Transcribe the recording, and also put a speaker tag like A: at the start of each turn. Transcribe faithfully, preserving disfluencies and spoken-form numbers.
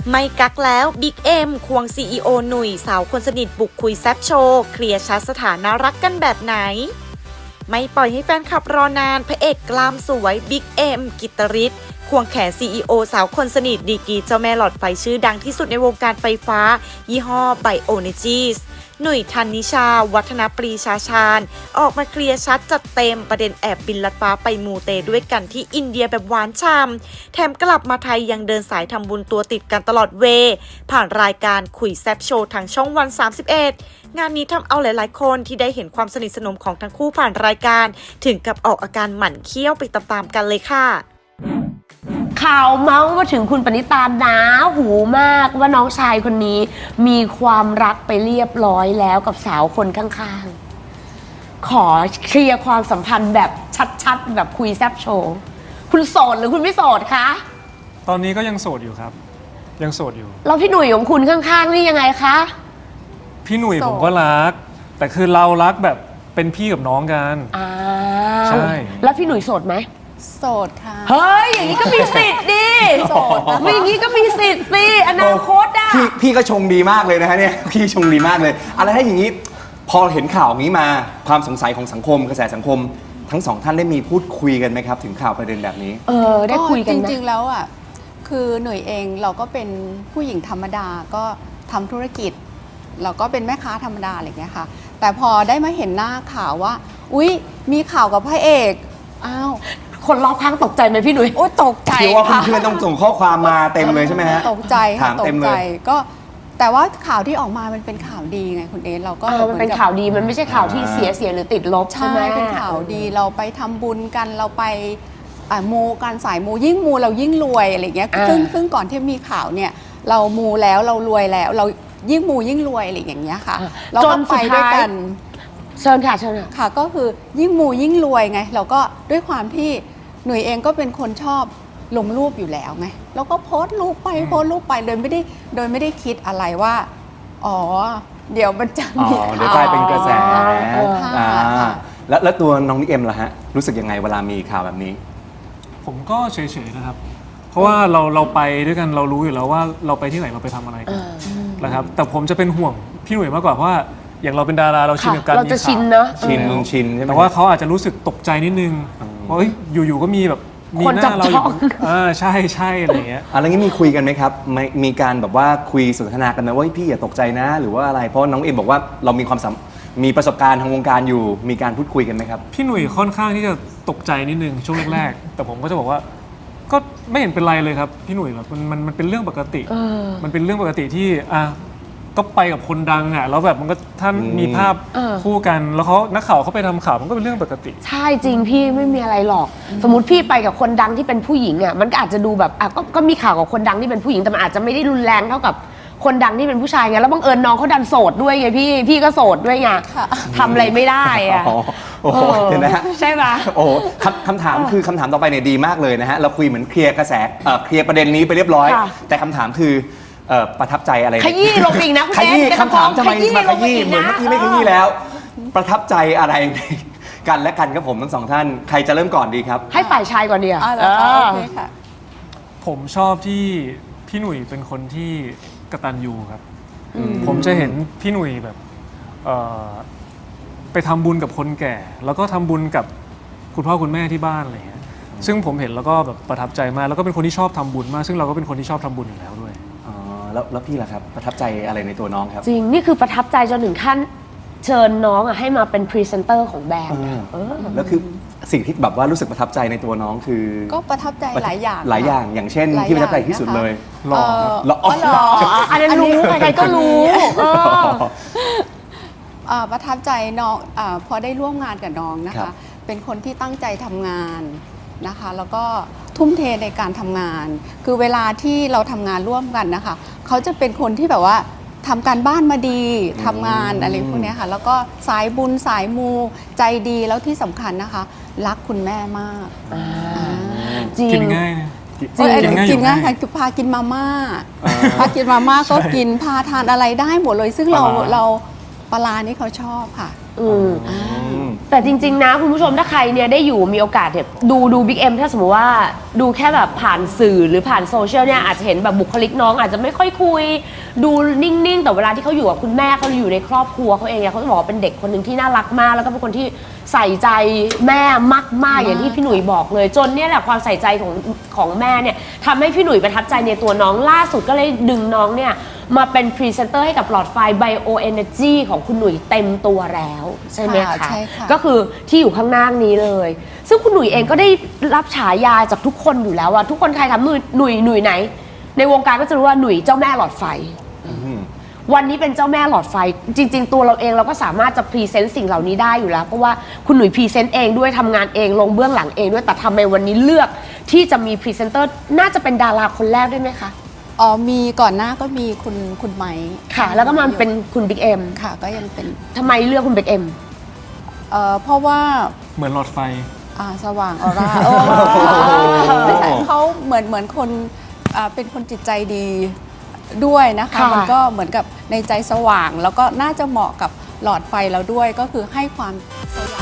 A: ไม่กักแล้วบิ๊กเอ็มควง ซี อี โอ หนุ่ยสาวคนสนิทบุกคุยแซบโชว์เคลียร์ชัดสถานะรักกันแบบไหนไม่ปล่อยให้แฟนคลับรอนานพระเอกกล้ามสวยบิ๊กเอ็มกิตตริศควงแขน ซี อี โอ สาวคนสนิทดีกรีเจ้าแม่หลอดไฟชื่อดังที่สุดในวงการไฟฟ้ายี่ห้อไบโอเนจีสหนุ่ยธันนิชาวัฒนปรีชาชาญออกมาเคลียร์ชัดจัดเต็มประเด็นแอบบินลัดฟ้าไปมูเตด้วยกันที่อินเดียแบบหวานฉ่ำแถมกลับมาไทยยังเดินสายทำบุญตัวติดกันตลอดเวผ่านรายการคุยแซบโชว์ทางช่องวันสามสิบเอ็ดงานนี้ทำเอาหลายๆคนที่ได้เห็นความสนิทสนมของทั้งคู่ผ่านรายการถึงกับออกอาการหมั่นเคี้ยวไปตามๆกันเลยค่ะ
B: ข่าวเมาส์มาถึงคุณปณิตาหนาหูมากว่าน้องชายคนนี้มีความรักไปเรียบร้อยแล้วกับสาวคนข้างๆขอเคลียร์ความสัมพันธ์แบบชัดๆแบบคุยแซบโชว์คุณโสดหรือคุณไม่โสดคะ
C: ตอนนี้ก็ยังโสดอยู่ครับยังโสดอยู่
B: แล้วพี่หนุ่ยของคุณข้างๆนี่ยังไงคะ
C: พี่หนุ่ยผมก็รักแต่คือเรารักแบบเป็นพี่กับน้องกัน
B: อ่า
C: ใช่
B: แล้วพี่หนุ่ยโสดไหม
D: โสดค่ะ
B: เฮ้ยอย่างนี้ก็มีสิทธิ์ดิโสดไม่อย่างนี้ก็มีสิทธิ์สิอนาคตอ่ะ
E: พี่พี่ก็ชงดีมากเลยนะฮะเนี่ยพี่ชงดีมากเลยอะไรถ้าอย่างนี้พอเห็นข่าวนี้มาความสงสัยของสังคมกระแสสังคมทั้งสองท่านได้มีพูดคุยกันไหมครับถึงข่าวประเด็นแบบนี้
B: เออได้คุยกัน
D: จริงๆแล้วอ่ะคือหน่วยเองเราก็เป็นผู้หญิงธรรมดาก็ทำธุรกิจเราก็เป็นแม่ค้าธรรมดาอะไรอย่างเงี้ยค่ะแต่พอได้มาเห็นหน้าข่าวว่าอุ๊ยมีข่าวกับพระเอกอ้าว
B: คนรอบข้างตกใจไหมพี่หนุ่ย
D: โอ้ตกใจ
E: คิดว่าเพื่อนๆต้องส่งข้อความมาเต็มเลยใช่ไหมฮะ
D: ตกใจ
E: ถามเต็มเลย
D: ก็แต่ว่าข่าวที่ออกมามันเป็นข่าวดีไงคุณเอเราก็
B: มันเป็นข่าวดีมันไม่ใช่ข่าวที่เสียเสียหรือติดลบใช่ไหม
D: เป็นข่าวดีเราไปทำบุญกันเราไปมูกันสายมูยิ่งมูเรายิ่งรวยอะไรเงี้ยซึ่งซึ่งก่อนที่มีข่าวเนี่ยเรามูแล้วเรารวยแล้วเรายิ่งมูยิ่งรวยอะไรอย่างเงี้ยค่ะเราก็ไปด้วยกัน
B: เชิญค่ะเชิญค่ะ
D: ค่ะก็คือยิ่งมูยิ่งรวยไงเราก็ด้วยความที่หนุ่ยเองก็เป็นคนชอบลงรูปอยู่แล้วไงแล้วก็โพสต์รูปไปโพสต์รูปไปโดยไม่ได้โดยไม่ได้คิดอะไรว่าอ๋อเดี๋ยวมันจะมีข่าว
E: เดี๋ยวกลายเป็นกระแสแล้วแล้วตัวน้องนิเอ็มล่ะฮะรู้สึกยังไงเวลามีข่าวแบบนี้
C: ผมก็เฉยๆนะครับเพราะว่าเราเราไปด้วยกันเรารู้อยู่แล้วว่าเราไปที่ไหนเราไปทำอะไรกันนะครับแต่ผมจะเป็นห่วงพี่หนุ่ยมากกว่าเพราะว่าอย่างเราเป็นดาราเราชินกับการมีข่าว
B: เราจะชินเนอะ
E: ชินชินใช่ไหม
C: แต่ว่าเขาอาจจะรู้สึกตกใจนิดนึงว่าอยู่ๆก็มีแบบมีหน้าเราอยู่อ่าใช่ใช่อะไรเงี้ย
E: อะไรงี้มีคุยกันไหมครับมีการแบบว่าคุยสนทนากันไหมว่าพี่อย่าตกใจนะหรือว่าอะไรเพราะน้องเอ็มบอกว่าเรามีความมีประสบการณ์ทางวงการอยู่มีการพูดคุยกันไหมครับ
C: พี่หนุ่ยค่อนข้างที่จะตกใจนิดนึงช่วงแรกๆแต่ผมก็จะบอกว่าก็ไม่เห็นเป็นไรเลยครับพี่หนุ่ยแบบมันมันมันเป็นเรื่องปกติมันเป็นเรื่องปกติที่อ่ะก็ไปกับคนดังอ่ะแล้วแบบมันก็ท่านมีภาพคู่กันแล้วเขานักข่าวเขาไปทำข่าวมันก็เป็นเรื่องปกติ
B: ใช่จริงพี่ไม่มีอะไรหรอกสมมติพี่ไปกับคนดังที่เป็นผู้หญิงอ่ะมันก็อาจจะดูแบบอ่ะก็ก็มีข่าวกับคนดังที่เป็นผู้หญิงแต่มันอาจจะไม่ได้รุนแรงเท่ากับคนดังที่เป็นผู้ชายไงแล้วบังเอิญน้องเขาดันโสดด้วยไงพี่พี่ก็โสดด้วยไงทำอะไรไม่ได้อ่ะ
E: โอ้โหเห็นไหมฮะ
B: ใช่ปะ
E: โอ้คำถามคือคำถามต่อไปเนี่ยดีมากเลยนะฮะเราคุยเหมือนเคลียร์กระแสเคลียร์ประเด็นนี้ไปเรียบร้อยแต่คำถามคือประทับใจอะไร
B: ขยี้ลงอีกนะคุณ
E: ขยี้คำถามทำไมมาขยี้เหมือนเมื่อกี้ไม่ขยี้แล้วประทับใจอะไรกันและกันครับผมทั้งสองท่านใครจะเริ่มก่อนดีครับ
B: ให้ฝ่ายชายก่อนดีอ่ะ
C: ผมชอบที่พี่หนุ่ยเป็นคนที่กตัญญูครับผมจะเห็นพี่หนุ่ยแบบไปทำบุญกับคนแก่แล้วก็ทำบุญกับคุณพ่อคุณแม่ที่บ้านอะไรเงี้ยซึ่งผมเห็นแล้วก็แบบประทับใจมากแล้วก็เป็นคนที่ชอบทำบุญมากซึ่งเราก็เป็นคนที่ชอบทำบุญอยู่แล้วด้วย
E: แล้วแล้วพี่ล่ะครับประทับใจอะไรในตัวน้องครับ
B: จริงนี่คือประทับใจจนถึงขั้นเชิญน้องอ่ะให้มาเป็นพรีเซนเตอร์ของแบรนด์
E: แล้วคือสิ่งที่แบบว่ารู้สึกประทับใจในตัวน้องคือ
D: ก็ประทับใจหลายอย่าง
E: หลายอย่างอย่างเช่นที่ประทับใจที่สุดเลย
C: หล่อ
E: หล่อ
B: อันนั้นรู้ใครก็รู้
D: ประทับใจน้องพอได้ร่วมงานกับน้องนะคะเป็นคนที่ตั้งใจทำงานนะคะแล้วก็ทุ่มเทในการทำงานคือเวลาที่เราทำงานร่วมกันนะคะเขาจะเป็นคนที่แบบว่าทำการบ้านมาดีทำงานอะไรพวกนี้ค่ะแล้วก็สายบุญสายมูใจดีแล้วที่สำคัญนะคะรักคุณแม่มาก
B: จริง
C: กินง่าย
D: กินง่ายค่ะคือพากินมาม่าพากินมาม่าก็กินพาทานอะไรได้หมดเลยซึ่งเราเราปลานี่เขาชอบค่ะ
B: แต่จริงๆนะคุณผู้ชมถ้าใครเนี่ยได้อยู่มีโอกาสเนี่ยดูดูบิ๊กเอ็มถ้าสมมติว่าดูแค่แบบผ่านสื่อหรือผ่านโซเชียลเนี่ยอาจจะเห็นแบบบุคลิกน้องอาจจะไม่ค่อยคุยดูนิ่งๆแต่เวลาที่เขาอยู่กับคุณแม่เขาอยู่ในครอบครัวเขาเองเนี่ยเขาจะบอกว่าเป็นเด็กคนหนึ่งที่น่ารักมากแล้วก็เป็นคนที่ใส่ใจแม่มากๆอย่างที่พี่หนุ่ยบอกเลยจนเนี่ยแหละความใส่ใจของของแม่เนี่ยทำให้พี่หนุ่ยประทับใจในตัวน้องล่าสุดก็เลยดึงน้องเนี่ยมาเป็นพรีเซนเตอร์ให้กับหลอดไฟ Bio Energy ของคุณหนุ่ยเต็มตัวแล้วใช่ไหม
D: ค่ะ
B: คะ
D: ใช่ค่ะ
B: ก็คือที่อยู่ข้างหน้านี้เลย ซึ่งคุณหนุ่ยเองก็ได้รับฉายาจากทุกคนอยู่แล้วอะทุกคนใครถามหนุ่ยหนุ่ยหนุ่ยไหน ในวงการก็จะรู้ว่าหนุ่ยเจ้าแม่หลอดไฟ วันนี้เป็นเจ้าแม่หลอดไฟ จริง ๆ ตัวเราเองเราก็สามารถจะพรีเซนต์สิ่งเหล่านี้ได้อยู่แล้วเพราะว่าคุณหนุ่ยพรีเซนต์เองด้วยทำงานเองลงเบื้องหลังเองด้วยแต่ทำไมวันนี้เลือกที่จะมีพรีเซนเตอร์น่าจะเป็นดาราคนแรกด้วยไหมคะ
D: อ๋อมีก่อนหน้าก็มีคุณคุณไม้
B: ค่ะ แล้วก็มาเป็นคุณบิ๊กเอ็ม
D: ค่ะก็ยังเป็น
B: ทำไมเลือกคุณบิ๊กเอ็ม
D: เอ่อเพราะว่า
C: เหมือนหลอดไฟ
D: อ่าสว่างออร่าโอ้ไม่ใช่เขาเหมือนเหมือนคนอ่าเป็นคนจิตใจดีด้วยนะคะ
B: ค่ะ
D: มันก็เหมือนกับในใจสว่าง แล้วก็น่าจะเหมาะกับหลอดไฟเราด้วยก็คือให้ความสว่าง